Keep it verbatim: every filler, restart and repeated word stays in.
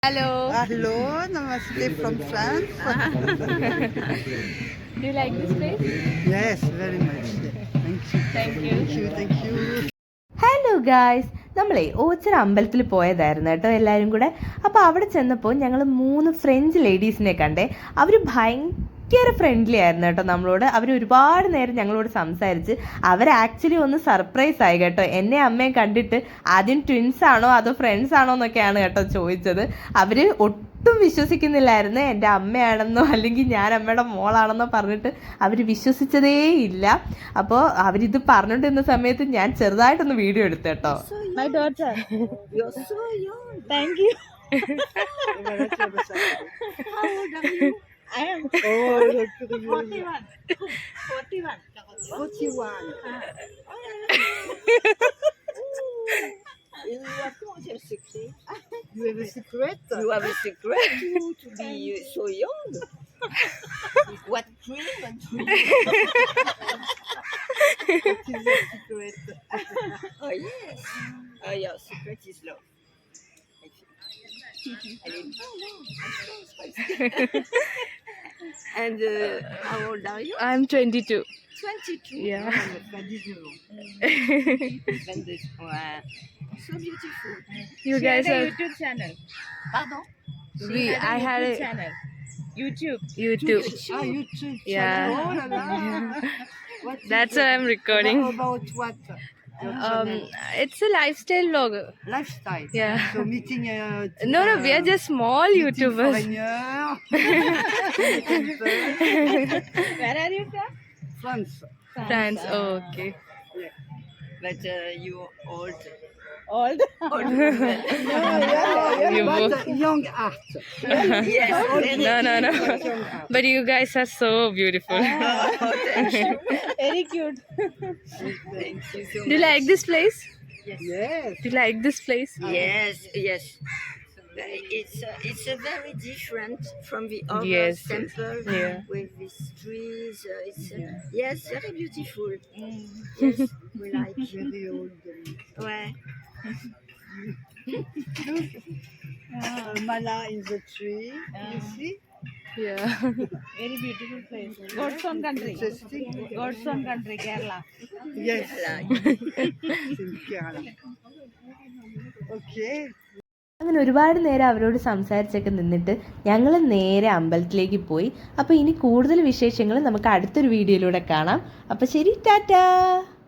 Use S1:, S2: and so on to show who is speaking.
S1: Hello.
S2: Hello, namaste from France.
S1: Do you like this place?
S2: Yes, very much. Thank you.
S1: Thank you.
S2: Thank you, thank you.
S3: Hello guys, നമ്മളെ ഓച്ചിറ അമ്പലത്തിൽ പോയതായിരുന്നു കേട്ടോ എല്ലാവരും കൂടെ. അപ്പോൾ അവിടെ ചെന്നപ്പോൾ ഞങ്ങൾ മൂന്ന് ഫ്രഞ്ച് ലേഡീസിനെ കണ്ടേ. അവർ ഭയങ്കര ഫ്രണ്ട്ലി ആയിരുന്നു കേട്ടോ നമ്മളോട്. അവർ ഒരുപാട് നേരം ഞങ്ങളോട് സംസാരിച്ച്. അവർ ആക്ച്വലി ഒന്ന് സർപ്രൈസ് ആയി കേട്ടോ. എന്നെ അമ്മയും കണ്ടിട്ട് ആദ്യം ട്വിൻസ് ആണോ അതോ ഫ്രണ്ട്സ് ആണോ എന്നൊക്കെയാണ് കേട്ടോ ചോദിച്ചത്. അവർ ഒട്ടും വിശ്വസിക്കുന്നില്ലായിരുന്നു എൻ്റെ അമ്മയാണെന്നോ അല്ലെങ്കിൽ ഞാൻ അമ്മയുടെ മോളാണെന്നോ പറഞ്ഞിട്ട് അവർ വിശ്വസിച്ചതേ ഇല്ല. അപ്പോൾ അവരിത് പറഞ്ഞുകൊണ്ടിരുന്ന സമയത്ത് ഞാൻ ചെറുതായിട്ടൊന്ന് വീഡിയോ എടുത്തു കേട്ടോ.
S1: My daughter.
S2: You're so young.
S1: Thank you.
S2: How old are you?
S1: I am
S2: Oh, look at the
S1: forty-one. forty-one.
S2: forty-one. You have a secret. You have a secret?
S4: You have a secret to, to be so young. What cream and cream?
S2: What is your secret?
S4: Oh yes. Oh your secret is love. And uh, how old are you?
S1: I'm twenty-two.
S4: Twenty-two.
S1: Yeah.
S4: And this, wow. So beautiful.
S1: You
S4: She
S1: guys
S4: had a
S1: are.
S4: YouTube channel. Pardon?
S1: We. I had a
S4: channel. YouTube.
S1: YouTube.
S2: Ah, YouTube.
S1: Yeah.
S2: Oh la la. What is
S1: That's
S2: it?
S1: why I'm recording.
S2: About, about what? Your
S1: Um,
S2: channel?
S1: it's a lifestyle vlog.
S2: Lifestyle.
S1: Yeah.
S2: So meeting. Uh,
S1: No, no, we are
S2: uh,
S1: just small
S2: meeting
S1: YouTubers.
S2: foreigners.
S4: Where are you from?
S2: France.
S1: France. Oh, okay.
S4: But uh, you old.
S1: Old.
S4: Old.
S1: You
S2: But
S1: both.
S2: uh, young art.
S4: Yes. Very
S1: No, no, no.
S2: Young art.
S1: But you guys are so beautiful.
S4: Oh, thank you.
S1: Very cute.
S4: Thank you so
S1: Do you
S4: much.
S1: like this place?
S2: Yes.
S1: Do you like this place?
S4: Yes, yes. It's uh, it's a very different from the other
S1: Yes, yes.
S4: temple
S1: Yeah.
S4: with these trees. Uh, it's uh, yes, very beautiful. Yes, we like.
S2: Very old.
S4: Ouais.
S2: Uh, Mala in the tree. You see?
S1: Yeah.
S5: Very beautiful place. God's own country.
S2: Interesting.
S5: God's own country, Kerala.
S2: Yes.
S4: Like.
S2: It's in Kerala. Okay.
S3: അങ്ങനെ ഒരുപാട് നേരം അവരോട് സംസാരിച്ചൊക്കെ നിന്നിട്ട് ഞങ്ങൾ നേരെ അമ്പലത്തിലേക്ക് പോയി. അപ്പോൾ ഇനി കൂടുതൽ വിശേഷങ്ങൾ നമുക്ക് അടുത്തൊരു വീഡിയോയിലൂടെ കാണാം. അപ്പോൾ ശരി, ടാറ്റാ.